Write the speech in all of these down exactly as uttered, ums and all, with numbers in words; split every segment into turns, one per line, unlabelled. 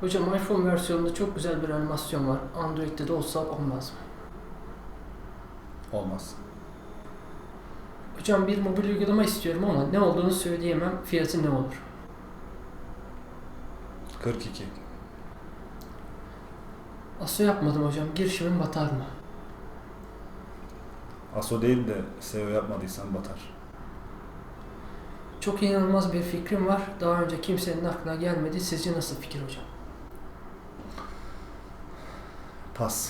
Hocam iPhone versiyonunda çok güzel bir animasyon var. Android'de de olsa olmaz mı?
Olmaz.
Hocam bir mobil uygulama istiyorum ama ne olduğunu söyleyemem. Fiyatı ne olur?
kırk iki.
Aso yapmadım hocam. Girişimim batar mı?
Aso değil de S E O yapmadıysan batar.
Çok inanılmaz bir fikrim var. Daha önce kimsenin aklına gelmedi. Sizce nasıl fikir hocam?
Pas.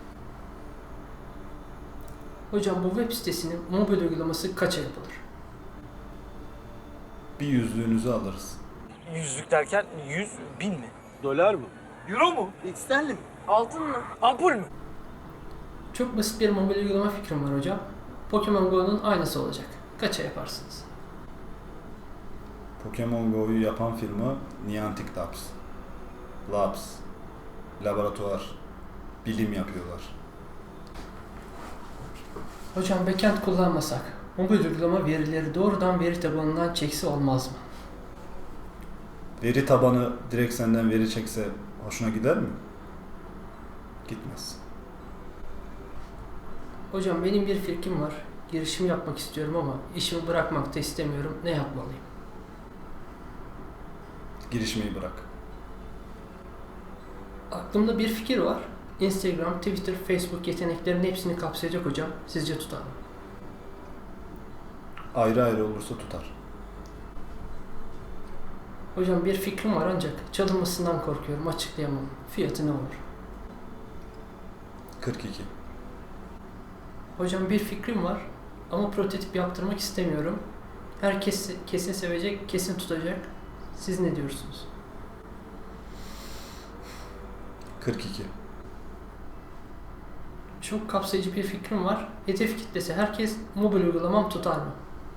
Hocam bu web sitesinin mobil uygulaması kaça yapılır?
Bir yüzlüğünüzü alırız.
Yüzlük derken yüz bin mi?
Dolar mı?
Euro mu?
Sterlin mi?
Altın mı? Ampul mü?
Çok basit bir mobil uygulama fikrim var hocam. Pokemon Go'nun aynısı olacak. Kaça yaparsınız?
Pokemon Go'yu yapan firma Niantic Labs. Labs. Laboratuvar. Bilim yapıyorlar.
Hocam backend kullanmasak, mobil uygulama verileri doğrudan veri tabanından çekse olmaz mı?
Veri tabanı direkt senden veri çekse hoşuna gider mi? Gitmez.
Hocam benim bir fikrim var. Girişim yapmak istiyorum ama işimi bırakmak da istemiyorum. Ne yapmalıyım?
Girişmeyi bırak.
Aklımda bir fikir var. Instagram, Twitter, Facebook yeteneklerinin hepsini kapsayacak hocam. Sizce tutar mı?
Ayrı ayrı olursa tutar.
Hocam bir fikrim var ancak çalınmasından korkuyorum. Açıklayamam. Fiyatı ne olur?
kırk iki.
Hocam bir fikrim var ama prototip yaptırmak istemiyorum. Herkes kesin sevecek, kesin tutacak. Siz ne diyorsunuz?
kırk iki.
Çok kapsayıcı bir fikrim var. Hedef kitlesi herkes, mobil uygulamam tutar mı?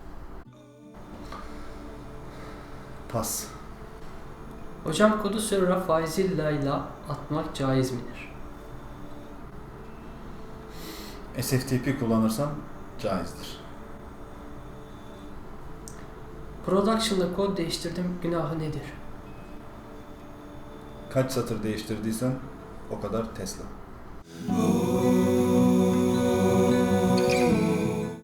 Pas.
Hocam kodu server'a faiziyle atmak caiz midir?
S F T P kullanırsan caizdir.
Production'da kod değiştirdim, günahı nedir?
Kaç satır değiştirdiysen o kadar Tesla.